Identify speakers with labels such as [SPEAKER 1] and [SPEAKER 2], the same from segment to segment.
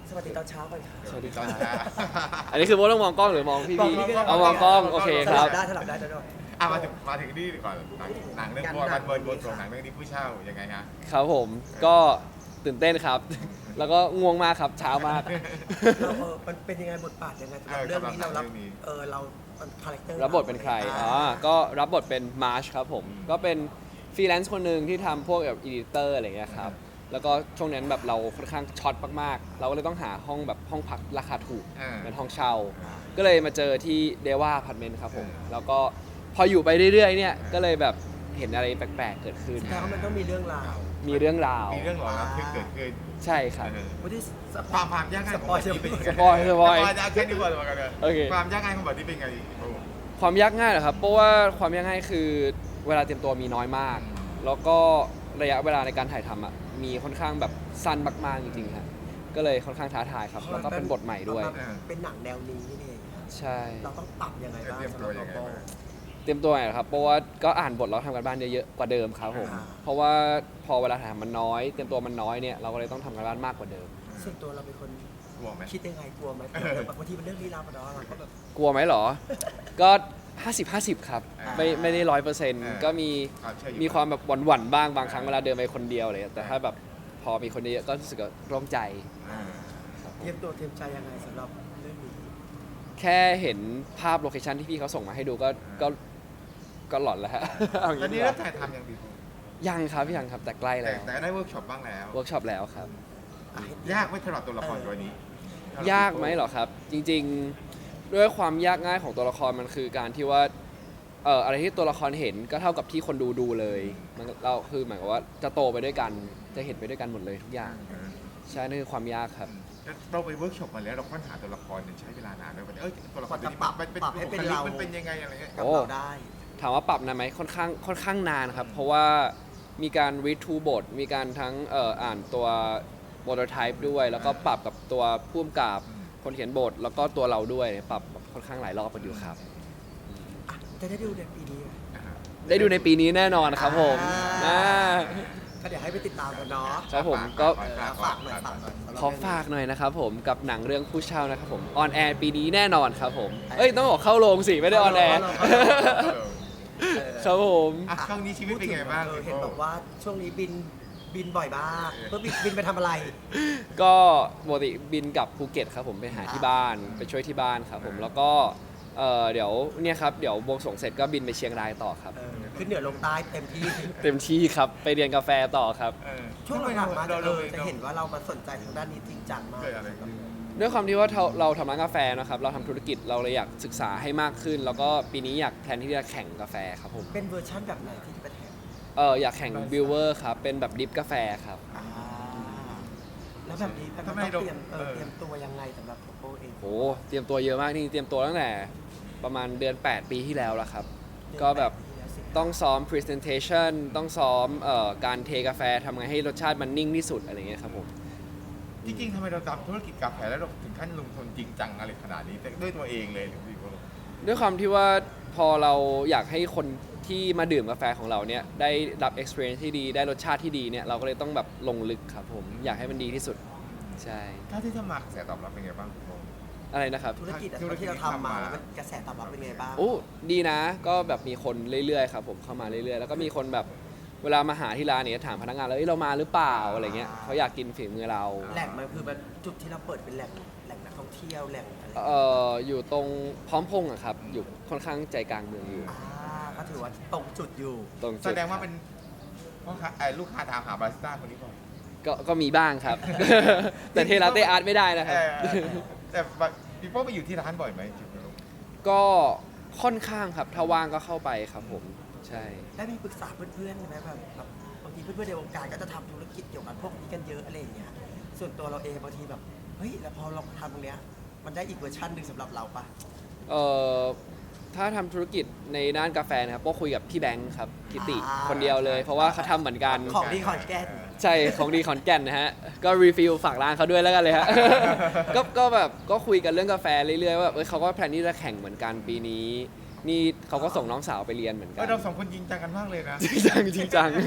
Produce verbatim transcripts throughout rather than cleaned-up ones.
[SPEAKER 1] สวัสดีตอนเช้าก่อนค่ะ
[SPEAKER 2] สวัสดีค
[SPEAKER 3] ต
[SPEAKER 2] รั
[SPEAKER 3] อน
[SPEAKER 2] บ
[SPEAKER 3] เช้า
[SPEAKER 2] อันนี้คือโบต้องมองกล้องหรือมองพี่
[SPEAKER 1] มอง
[SPEAKER 2] พี่
[SPEAKER 1] พี่ก็ได้
[SPEAKER 2] เอามองกล้องโอเค
[SPEAKER 1] ส
[SPEAKER 2] ค
[SPEAKER 1] ลั
[SPEAKER 2] รั
[SPEAKER 1] บบ ได้สลับได้สลับได้
[SPEAKER 3] อ่ะมาถึงมาถึงนี่ก่อนหนังหนังเรื่อง
[SPEAKER 1] กัน
[SPEAKER 3] บัว
[SPEAKER 1] หนั
[SPEAKER 3] มัน
[SPEAKER 1] ง
[SPEAKER 3] เบิร์นบนส่งหนังเรื่องนี้ผู้เช่ายังไงฮะ
[SPEAKER 2] ครับผมก็ตื่นเต้นครับ แล้วก็ง่วงมากครับเช้ามาก
[SPEAKER 1] เราเออมันเป็นยังไงบทบาทยังไงสำหรับเรื่องนี้เรารับเออเราคาแรคเตอร์
[SPEAKER 2] รับบทเป็นใครอ๋อก็รับบทเป็นมาร์ชครับผมก็เป็นฟรีแลนซ์คนหนึ่งที่ทำพวกแบบอีดิเตอร์อะไรเงี้ยครับแล้วก็ช่วงนั้นแบบเราค่อนข้างช็อตมากๆเราก็เลยต้องหาห้องแบบห้องพักราคาถูก
[SPEAKER 3] อ่า
[SPEAKER 2] เป็นห้องเช่า ก็เลยมาเจอที่เดว่าอพาร์ตเมนต์ครับผมแล้วก็พออยู่ไปเรื่อยๆเนี่ยก็เลยแบบเห็นอะไรแปลกๆเกิดขึ้น
[SPEAKER 1] แต่ว่ามันต้องมีเรื่องราว
[SPEAKER 2] มีเรื่องราว
[SPEAKER 3] มีเรื่องหลอนระทึกเกิดขึ้น
[SPEAKER 2] ใช่ครับ
[SPEAKER 3] เออ
[SPEAKER 1] วันที่ส
[SPEAKER 3] ค
[SPEAKER 1] ปอ
[SPEAKER 3] วามความยากง่ายของบทนี้เป็นยังไง
[SPEAKER 2] สปอยสปอย
[SPEAKER 3] สปอยจะแค่นี้ก่อนมากันเลย
[SPEAKER 2] โอเค
[SPEAKER 3] ความยากง่ายของบทนี้เป็นไงโอ้
[SPEAKER 2] ความยากง่ายเหรอครับเพราะว่าความยากง่ายคือเวลาเตรียมตัวมีน้อยมาก แล้วก็ระยะเวลาในการถ่ายทำอ่ะมีค่อนข้างแบบสั้นมากๆจริงๆครับก็เลยค่อนข้างท้าทายครับแล้วก็เป็นบทใหม่ด้วย
[SPEAKER 1] เป็นหนังแนวนี้นี่เอง
[SPEAKER 2] ใช่
[SPEAKER 1] เราต้องปรับยังไงบ้าง
[SPEAKER 3] เตรียม
[SPEAKER 1] สำห
[SPEAKER 3] ตั
[SPEAKER 1] รั
[SPEAKER 3] ว
[SPEAKER 1] บ
[SPEAKER 3] ยังไง
[SPEAKER 1] เรา
[SPEAKER 3] บ้าง
[SPEAKER 2] เตรียมตัวหน่อยครับเพราะว่าก็อ่านบทแล้วทำกันบ้านเยอะๆกว่าเดิมครับผม
[SPEAKER 1] อ่า
[SPEAKER 2] เพราะว่าพอเวลาถ่ายทำมันน้อย เตรียมตัวมันน้อยเนี่ยเราก็เลยต้องทำกันบ้านมากกว่าเดิม
[SPEAKER 1] ส่วนตัวเราเป็นคน
[SPEAKER 3] กลัวไหม
[SPEAKER 1] คิดยังไงกลัวไหมแบบบางทีมันเรื่องลี้ลับอะเนาะเราก็แบบ
[SPEAKER 2] กลัวไหมเหรอ ก็ ห้าสิบ ห้าสิบ ครับ ไม่ไม่ได้ร้อยเปอร์เซ็นต์ก็มี
[SPEAKER 3] ความเชื่ออยู่
[SPEAKER 2] มีความแบบหวั่นๆบ้างบางครั้งเวลาเดินไปคนเดียวอะไรเลยแต่ถ้าแบบพอมีคนเยอะก็รู้สึกว่าโล่งใจ
[SPEAKER 3] อ่า
[SPEAKER 1] เตรียมตัวเตรียมใจยังไงสำหรับเรื่องนี้
[SPEAKER 2] แค่เห็นภาพโลเคชันที่พี่เขาส่งมาให้ดูก็ก็ก็หลอนแล้วฮะ เอาอย่าง
[SPEAKER 3] ตอนนี้
[SPEAKER 2] นี้ดีก
[SPEAKER 3] เริ่
[SPEAKER 2] ว่าม
[SPEAKER 3] ถ่ายทำยังดีกว่า
[SPEAKER 2] ยังครับยังครับแต่ใกล้
[SPEAKER 3] แต่
[SPEAKER 2] แล้ว
[SPEAKER 3] แต่ก็ได้เวิร์กช็อปบ้างแล้ว
[SPEAKER 2] เวิร์กช็อปแล้วครับ
[SPEAKER 1] อ่ะ
[SPEAKER 3] ยากไหม่สำหรับตัวละครตัวนี้
[SPEAKER 2] ยากไหมเหรอครับ จริงๆด้วยความยากง่ายของตัวละครมันคือการที่ว่าเอ่ออะไรที่ตัวละครเห็นก็เท่ากับที่คนดูดูเลยมันเราคือหมายความว่าจะโตไปด้วยกันจะเห็นไปด้วยกันหมดเลยทุกอย่างใช่นั่นคือความยากครับ
[SPEAKER 3] เราไปเวิร์กช็อปมาแล้วเราค้นหาตัวละครเนี่ยใช้เวลานานด้วยวันนี้เอ้ยตัวละครตัวนี้
[SPEAKER 1] ปรับ
[SPEAKER 3] มันเป็น
[SPEAKER 1] ปรับให้เป็น
[SPEAKER 3] บุคลิก
[SPEAKER 1] เรา
[SPEAKER 3] มันเป็นยังไงอะไรเงี้ย
[SPEAKER 1] กับ
[SPEAKER 2] โอ้
[SPEAKER 1] เราได้
[SPEAKER 2] ถามว่าปรับนานไหมค่อนข้างค่อนข้างนานครับ เพราะว่ามีการ read to บทมีการทั้งเอ่ออ่านตัว prototype ด้วย แล้วก็ปรับกับตัวผู้กำกับคนเขียนบท แล้วก็ตัวเราด้วยปรับค่อนข้างหลายรอบกันอยู่ครับ
[SPEAKER 1] อ่ะจะได้ดูในปีนี้ไหม
[SPEAKER 3] อ่า
[SPEAKER 2] ได้ดูในปีนี้แน่นอนครับผม
[SPEAKER 1] อ่า
[SPEAKER 2] อ่า
[SPEAKER 1] ก็เดี๋ยวให้ไปติดตามกันเนาะ
[SPEAKER 2] ครับผมก็
[SPEAKER 1] เออฝากหน่อยฝากหน่อยสำหรับ
[SPEAKER 2] ขอฝากหน่อยนะครับผมกับหนังเรื่องผู้เช่านะครับผมออนแอร์ปีนี้แน่นอนครับผมเอ้ยต้องบอกเข้าโรงสิไม่ได้ออนแอร์
[SPEAKER 3] เออ
[SPEAKER 1] เออ
[SPEAKER 2] ครับผม
[SPEAKER 3] อ่ะช่วงนี้ชีวิตเป็นไงบ้าง
[SPEAKER 1] เออเห็นบอกว่าช่วงนี้บินบินบ่อยมากเพื่อบินบินไปทำอะไร
[SPEAKER 2] ก็ปกติบินกลับภูเก็ตครับผมไปหาที่บ้านไปช่วยที่บ้านครับผมแล้วก็เอ่อเดี๋ยวเนี่ยครับเดี๋ยวบวงสรวงเสร็จก็บินไปเชียงรายต่อครับ
[SPEAKER 1] เออขึ้นเหนือลงใต้เต็มที่
[SPEAKER 2] เต็มที่ครับไปเรียนกาแฟต่อครับ
[SPEAKER 3] เออ
[SPEAKER 1] ช่วงหลังๆมาจะเออ
[SPEAKER 3] ร
[SPEAKER 1] จะเห็นว่าเรามาสนใจทางด้านนี้จริงจังมาก
[SPEAKER 3] เกิดอะไรขึ้น
[SPEAKER 2] ด้วยความที่ว่าเราเราทำร้านกาแฟนะครับเราทำธุรกิจเราเลยอยากศึกษาให้มากขึ้น แล้วก็ปีนี้อยากแพลนที่จะแข่งกาแฟครับผม
[SPEAKER 1] เป็นเวอร์ชั่นแบบไหนที่จะไปแทน
[SPEAKER 2] เอออยากแข่งบิวเวอร์ครับเป็นแบบดริฟกาแฟครับ
[SPEAKER 1] อ่าแล้วแบบนี้แบบ
[SPEAKER 3] ทำไม
[SPEAKER 1] ต้อง
[SPEAKER 3] เรา
[SPEAKER 1] เตรียมเออ
[SPEAKER 3] เออ
[SPEAKER 1] เตรียมตัวยังไงสำหรับโปโปเอง
[SPEAKER 2] โหเตรียมตัวเยอะมากนี่เตรียมตัวตั้งแต่ประมาณเดือนแปดปีที่แล้วละครับ ก็แบบต้องซ้อม presentation ต้องซ้อมเอ่อการเทกาแฟทำไงให้รสชาติมันนิ่งที่สุดอะไรเงี้ยครับผม
[SPEAKER 3] จริงๆทำไมเราทำธุรกิจกาแฟแล้วเราถึงขั้นลงทุนจริงจังอะไรขนาดนี้แต่ด้วยตัวเองเลยหรือพี่โบ
[SPEAKER 2] ด้วยความที่ว่าพอเราอยากให้คนที่มาดื่มกาแฟของเราเนี่ยได้รับ experience ที่ดีได้รสชาติที่ดีเนี่ยเราก็เลยต้องแบบลงลึกครับผมอยากให้มันดีที่สุดใช่
[SPEAKER 3] ถ้าที่สมัครเสียตอบรับเป็นไงบ้างพี่โบ
[SPEAKER 2] อะไรนะครับ
[SPEAKER 1] ธุรกิจอะ
[SPEAKER 3] ธุรกิจ
[SPEAKER 1] ที่เราทำมา
[SPEAKER 3] ที่ทำมา
[SPEAKER 1] มันกระแสตอบรับเป็นไงบ้าง
[SPEAKER 2] โอ้ดีนะก็แบบมีคนเรื่อยๆครับผมเข้ามาเรื่อยๆแล้วก็มีคนแบบเวลามาหาที่ร้านเนี่ยถามพนักงานเลยเอ้ยเรามาหรือเปล่าอะไรเงี้ยเขาอยากกินฝีมือเรา
[SPEAKER 1] แหล่งมันคือแบบจุดที่เราเปิดเป็นแหล่งแหล่งนักท่องเที่ยวแหล่งอะไร
[SPEAKER 2] เอ่ออยู่ตรงพร้อมพงษ์อะครับอยู่ค่อนข้างใจกลางเมืองอยู่
[SPEAKER 1] อ่าก็ถือว่าตรงจุดอยู่
[SPEAKER 2] ตรง
[SPEAKER 3] แส
[SPEAKER 2] จุด
[SPEAKER 3] ดงว่าเป็นพ่อค้าเอ่อลูกค้าถามหาบาริสต้าคนนี้บ่อย
[SPEAKER 2] ก็ก็มีบ้างครับ แต่เทลาเต้อาร์ตไม่ได้นะครับ
[SPEAKER 3] เออเออแต่พี่โป้ไปอยู่ที่ร้านบ่อยไหมจริงๆ
[SPEAKER 2] ก็ค่อนข้างครับถ้าว่างก็เข้าไปครับผมใช่
[SPEAKER 1] ได้มีปรึกษาเพื่อนๆไหมแบบแบบบางทีเพื่อนๆในวงการก็จะทำธุรกิจเกี่ยวกับพวกนี้กันเยอะอะไรอย่างเงี้ยส่วนตัวเราเองบางทีแบบเฮ้ยแล้วพอเราทำตรงเนี้ยมันได้อีกเวอร์ชันหนึ่งสำหรับเราปะ
[SPEAKER 2] เอ่อถ้าทำธุรกิจในด้านกาแฟนะครับก็คุยกับพี่แบงค์ครับกิติคนเดียวเลย เพราะว่าเขาทำเหมือนกัน
[SPEAKER 1] ของดีขอนแก่น
[SPEAKER 2] ใช่ของดีขอนแก่นนะฮะ ก็รีฟิลฝากร้านเขาด้วยแล้วกันเลยฮะ ก็ก็แบบก็คุยกันเรื่องกาแฟเรื่อยๆว่าเอ้ยเขาก็แพลนที่จะแข่งเหมือนกันปีนี้ นี่เขาก็ส่งน้องสาวไปเรียนเหมือนกั
[SPEAKER 3] เออน เราสองคนจริงจังกันมากเลยนะ
[SPEAKER 2] จริงจังจริงจัง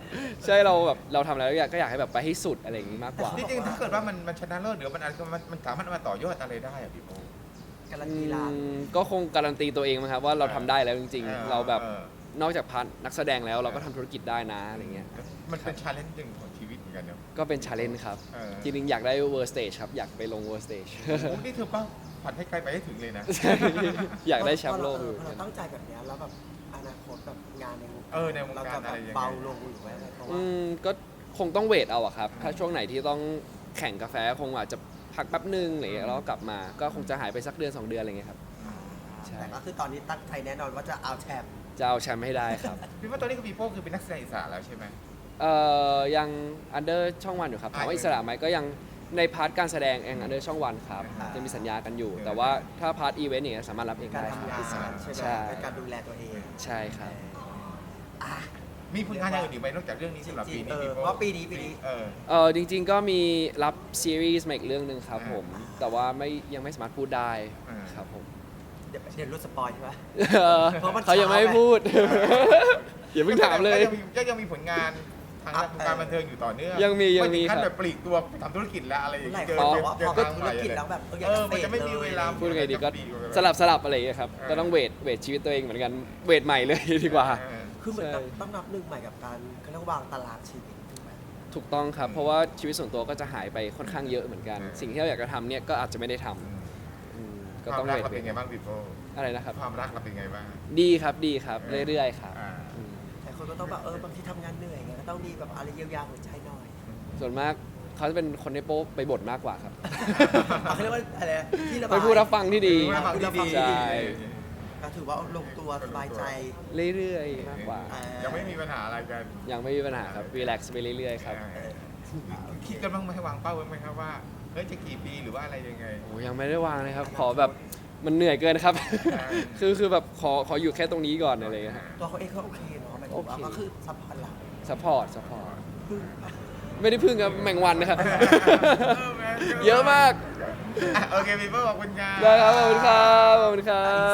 [SPEAKER 2] ใช่เราแบบเราทำอะไรก็อยากก็อยากให้แบบไปให้สุดอะไรอย่างงี้มากกว่า
[SPEAKER 3] จริงๆถ้าเกิดว่ามันมันชนะเลิศหรือมันอะไรมันมันสามารถเอามาต่อยอดอะไรได้อะพี่โป้
[SPEAKER 1] การันตีร้าน
[SPEAKER 2] อืมก็คงการันตีตัวเองมั้งครับว่าเราทำได้แล้วจริง
[SPEAKER 3] ออ
[SPEAKER 2] ๆ เราแบบ
[SPEAKER 3] ออน
[SPEAKER 2] อกจากพาร์ทนักแสดงแล้วเราก็ทำธุรกิจได้นะอะไรเงี้ย
[SPEAKER 3] มันเป็นชาเลนจ์หนึ่งของชีวิตเหมือนกันเนอะ
[SPEAKER 2] ก็เป็นชาเลนจ์ครับ
[SPEAKER 3] เออ
[SPEAKER 2] จริงๆอยากได้เวอร์สเตจครับอยากไปลงเวอร์สเตจ
[SPEAKER 3] โอ้นี่เธอเป้าฝันให้ไกลไปให้ถึงเลยนะ
[SPEAKER 2] อยากได้แชมป์โลก
[SPEAKER 1] พ
[SPEAKER 2] อ
[SPEAKER 1] อยู่ พอ
[SPEAKER 2] เหมือน
[SPEAKER 1] เรา
[SPEAKER 2] กัน
[SPEAKER 1] ตั้งใจแบบเนี้ยแล้วแบบอนาคตแบบงานในวง
[SPEAKER 3] เออในวงการ
[SPEAKER 1] เราจะ
[SPEAKER 3] อะไรยังไง
[SPEAKER 1] เบาลงหรือว่าอะไรเพราะว่า
[SPEAKER 2] อืมก็คงต้องเวทเอาอะครับ ถ้าช่วงไหนที่ต้องแข่งกาแฟคงอาจจะพักแป๊บนึงอะไรอย่างเงี้ยแล้วก็กลับมาก็คงจะหายไปสักเดือนสองเดือนอะไรเงี้ยครับ ใช่
[SPEAKER 1] แต่ก็คือตอนนี้ตั้งใจแน่นอนว่าจะเอาแชมป์
[SPEAKER 2] จะเอาแชมป์ให้ได้ครับ
[SPEAKER 3] พี่ว่าตอนนี้คือพี่โป้คือเป็นนักแสดงอิสระแล้วใช่ไหม
[SPEAKER 2] เอ่อยังอันเดอร์ช่องวันอยู่ครับถามว่า
[SPEAKER 3] อ่า
[SPEAKER 2] อิสระไหมก็ยังในพาร์ทการแสดงเองอันเดอร์ช่องวันครับ
[SPEAKER 3] อ่า
[SPEAKER 2] จะมีสัญญากันอยู่
[SPEAKER 3] เออ
[SPEAKER 2] แต่ว่าถ้าพาร์ทอีเวนต์อย่างเงี้ยสามารถรับเอง
[SPEAKER 1] การ
[SPEAKER 2] ได้ค
[SPEAKER 1] ทำ
[SPEAKER 2] รับ
[SPEAKER 1] งาน
[SPEAKER 2] อิสระ
[SPEAKER 1] ใช่ไหม
[SPEAKER 2] ใช่
[SPEAKER 1] เป็นการดูแลตัวเอง
[SPEAKER 2] ใช่ครับ
[SPEAKER 1] อ่ะ
[SPEAKER 3] มีผลงานอย่างอื่นอีกไหมนอกจากเรื่องนี้สำหรับปีนี้
[SPEAKER 1] จริงๆเออ
[SPEAKER 3] พี่โป้
[SPEAKER 1] เพราะปีนี้ปีนี้
[SPEAKER 3] เออ
[SPEAKER 2] เออจริง ๆ ก็มีรับซีรีส์มาอีกเรื่องหนึ่งครับ
[SPEAKER 3] อ่า
[SPEAKER 2] ผม แต่ว่าไม่ยังไม่สามารถพูดได้
[SPEAKER 3] อ่า
[SPEAKER 2] ครับผม
[SPEAKER 1] เดี๋ยวเดี๋ยวรู้สปอยใช่ไหม เพราะมัน
[SPEAKER 2] เขายังไม่ให้พูด อย่าเพิ่งถามเลย
[SPEAKER 3] ก็ยังมีก็ยังมีผลงานทางด้านวงการบันเทิงอยู่ต่อเนื่อง
[SPEAKER 2] ยังมียังมี
[SPEAKER 3] ไถึขั้น
[SPEAKER 2] ครับ
[SPEAKER 3] แบบปลีกตัวทำธุรกิจแล้วอะไรอย่าง
[SPEAKER 1] หลาย
[SPEAKER 3] เงี้ย
[SPEAKER 1] คน
[SPEAKER 3] เจ
[SPEAKER 1] บอกว่า
[SPEAKER 3] เจ
[SPEAKER 1] พอ
[SPEAKER 3] ท
[SPEAKER 1] เป็น
[SPEAKER 3] ง
[SPEAKER 1] ธุ
[SPEAKER 3] ให
[SPEAKER 1] ร
[SPEAKER 3] ม่
[SPEAKER 1] กิจ
[SPEAKER 3] เลย
[SPEAKER 1] แล้วแบบเอออยา
[SPEAKER 3] เอก อ
[SPEAKER 1] จะ
[SPEAKER 3] มันจะไม่มีเวลา
[SPEAKER 2] พูดไงดีก็
[SPEAKER 3] ปีว่า
[SPEAKER 2] สลับสลับอะไรอย่างเงี้ยครับ ก็ต้องเวทเวทชีวิตตัวเองเหมือนกันเวทใหม่เลยดีกว่า
[SPEAKER 3] เออ
[SPEAKER 1] คือเหมือน
[SPEAKER 2] ใช่
[SPEAKER 1] ต้องต้องนับหนึ่งใหม่กับการเขาเรียกว่าวางตารางชีวิตถูกไหม
[SPEAKER 2] ถูกต้องครับ
[SPEAKER 3] อืม
[SPEAKER 2] เพราะว่าชีวิตส่วนตัวก็จะหายไปค่อนข้างเยอะเหมือนกัน
[SPEAKER 3] อืม
[SPEAKER 2] สิ่งที่เราอยากจะทำเนี่ยก็อาจจะไม่ได้ทำ
[SPEAKER 3] อืม
[SPEAKER 2] อืม
[SPEAKER 3] ค
[SPEAKER 2] ก็
[SPEAKER 3] วา
[SPEAKER 2] ต้อ
[SPEAKER 3] ม
[SPEAKER 2] ง
[SPEAKER 3] รัก
[SPEAKER 2] เวท
[SPEAKER 3] เราเป็นไงบ้างพี่โป้
[SPEAKER 2] อะไรนะครับ
[SPEAKER 3] ความรักเราเป็นไงบ้าง
[SPEAKER 2] ดีครับดีครับเรื่อยๆครับ
[SPEAKER 3] อ่า
[SPEAKER 2] อืม
[SPEAKER 1] แต่คนก็ต้องแบบเออบางทีทำงานเหนื่อยไงก็ต้องมีแบบอะไรเยียวยาหัวใจหน่อย
[SPEAKER 2] ส่วนมากเขาจะเป็นคนในโป๊ไปบ่นมากกว่าครับ
[SPEAKER 1] อ่ะเขาเรียกว่าอะไรนะที่ระบาย
[SPEAKER 2] ไปพูดรับฟังที่ดี
[SPEAKER 3] ไม่ฟังดีๆ
[SPEAKER 2] ใช่
[SPEAKER 1] ก็ถือว่าลงตัวสบายใจ
[SPEAKER 2] เรื่อยๆมากกว่า
[SPEAKER 1] อ่า
[SPEAKER 3] ยังไม่มีปัญหาอะไรกัน
[SPEAKER 2] ยังไม่มีปัญหาครับรีแลกซ์ไปเรื่อยๆครับ
[SPEAKER 3] เออคิดกันบ้างไหมวางเป้าไว้ไหมครับว่าเฮ้ยจะกี่ปีหรือว่าอะไรยังไง
[SPEAKER 2] โอ้ยังไม่ได้วางเลยครับ ขอแบบมันเหนื่อยเกินครับ
[SPEAKER 3] อ่า
[SPEAKER 2] คือคือแบบขอขออยู่แค่ตรงนี้ก่อนอะไรอย่างเงี้ยครับ
[SPEAKER 1] ตัวเขาเองเขาโอเคเนาะหมายถึงว่า
[SPEAKER 2] โอเค
[SPEAKER 1] ก็คือซัพพอร์ตเรา
[SPEAKER 2] ซัพพอร์ตซัพพอร์ต
[SPEAKER 1] พึ่ง
[SPEAKER 2] ไม่ได้พึ่งครับแมงวันนะครับ
[SPEAKER 3] เออแม่
[SPEAKER 2] เยอะมาก
[SPEAKER 3] อ่ะโอเคพี่โป้ขอบคุณครับ
[SPEAKER 2] ได้ครับขอบคุณครับขอบคุณครับ